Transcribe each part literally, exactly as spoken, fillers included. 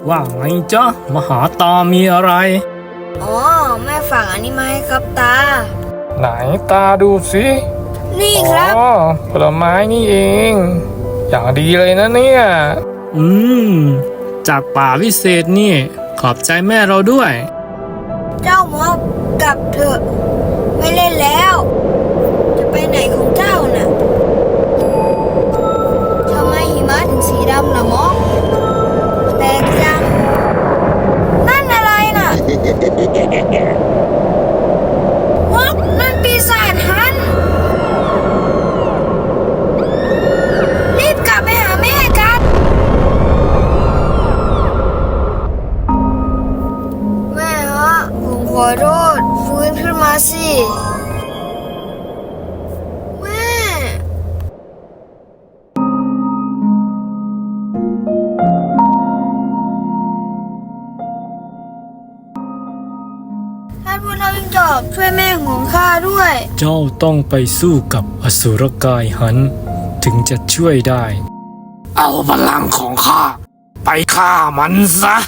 ว่าไงจ๊ะมหาตามีอะไรอ๋อแม่ฝากอันนี้มาให้ครับตาไหนตาดูสินี่ครับอ๋อผลไม้นี่เองอย่างดีเลยนะเนี่ยอืมจากป่าวิเศษนี่ขอบใจแม่เราด้วยเจ้ามอกกลับเถอะไม่เล่นแล้วจะไปไหนของเจ้าน่ะทำไมหิมะถึงสีดำล่ะมอกแปลกจังนั่นอะไรน่ะมอกนั่นปีศาจฮันรีบกลับไปหาแม่กันแม่ฮะผมขอโทษฟื้นขึ้นมาสิแม่ท่านผู้นำจอบช่วยแม่ของข้าด้วยเจ้าต้องไปสู้กับอสุรกายหันถึงจะช่วยได้เอาพลังของข้าไปฆ่ามันซะ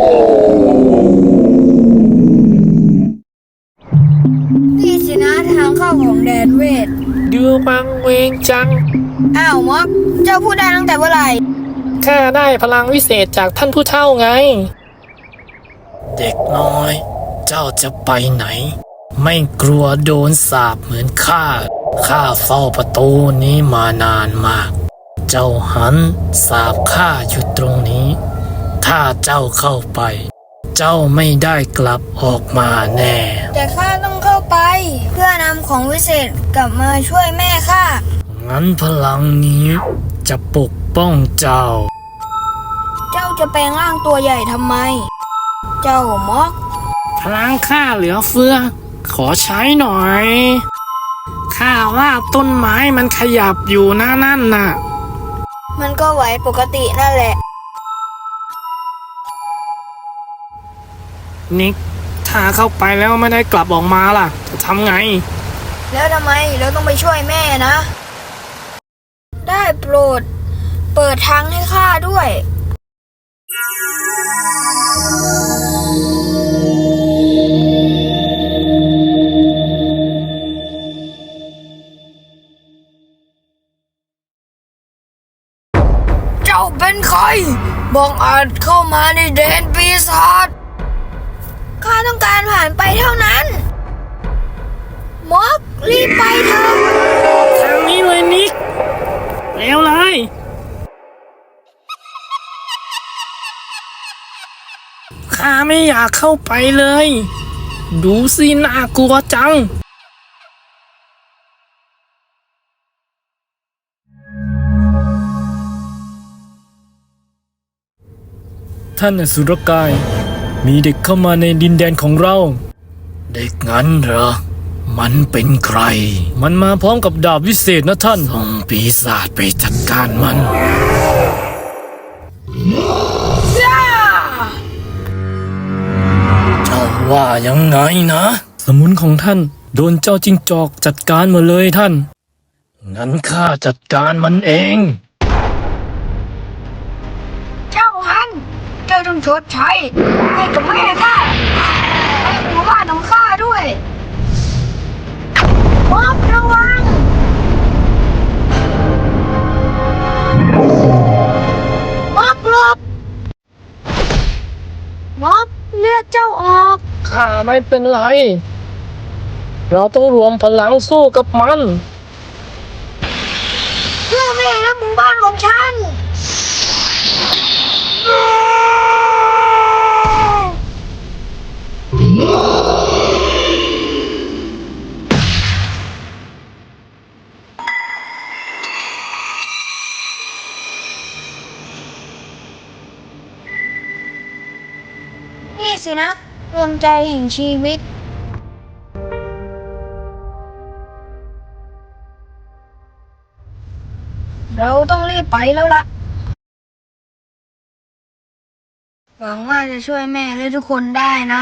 นี่สินะทางเข้าของแดนเวทดูมังเวงจังอ้าวมอกเจ้าพูดได้ตั้งแต่เมื่อไหร่ข้าได้พลังวิเศษจากท่านผู้เฒ่าไงเด็กน้อยเจ้าจะไปไหนไม่กลัวโดนสาปเหมือนข้าข้าเฝ้าประตูนี้มานานมากเจ้าหันสาปข้าอยู่ตรงนี้ถ้าเจ้าเข้าไปเจ้าไม่ได้กลับออกมาแน่แต่ข้าต้องเข้าไปเพื่อนำของวิเศษกลับมาช่วยแม่ข้างั้นพลังนี้จะปกป้องเจ้าเจ้าจะแปลงร่างตัวใหญ่ทำไมเจ้ามอกพลังข้าเหลือเฟือขอใช้หน่อยข้าว่าต้นไม้มันขยับอยู่นะนั่นน่ะมันก็ไหวปกตินั่นแหละนิกถ้าเข้าไปแล้วไม่ได้กลับออกมาล่ะจะทำไงแล้วทำไมเราต้องไปช่วยแม่นะได้โปรดเปิดทางให้ข้าด้วยเจ้าเป็นใครบังอาจเข้ามาในแดนปีศาจข้าต้องการผ่านไปเท่านั้นมอกรีบไปเถอะทางนี้เลยนิกเร็วเลยข้าไม่อยากเข้าไปเลยดูสิน่ากลัวจังท่านอสุรกายมีเด็กเข้ามาในดินแดนของเราเด็กงั้นเหรอมันเป็นใครมันมาพร้อมกับดาบวิเศษนะท่านส่งปีศาจไปจัดการมันเจ้าว่ายังไงนะสมุนของท่านโดนเจ้าจิ้งจอกจัดการมาเลยท่านงั้นข้าจัดการมันเองเจ้าฮันเจ้าต้องชดใช้ให้กับแม่ข้าให้หมู่บ้านของข้าด้วยมอบระวังมอบหลบมอบเลือดเจ้าออกข้าไม่เป็นไรเราต้องรวมพลังสู้กับมันเพื่อแม่และหมู่บ้านของฉันนี่สินะดวงใจแห่งชีวิตเราต้องรีบไปแล้วล่ะหวังว่าจะช่วยแม่และทุกคนได้นะ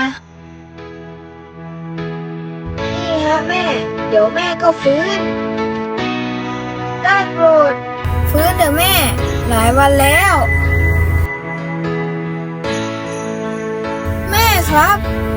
นี่ฮะแม่เดี๋ยวแม่ก็ฟื้นได้โปรดฟื้นเถอะแม่หลายวันแล้วครับ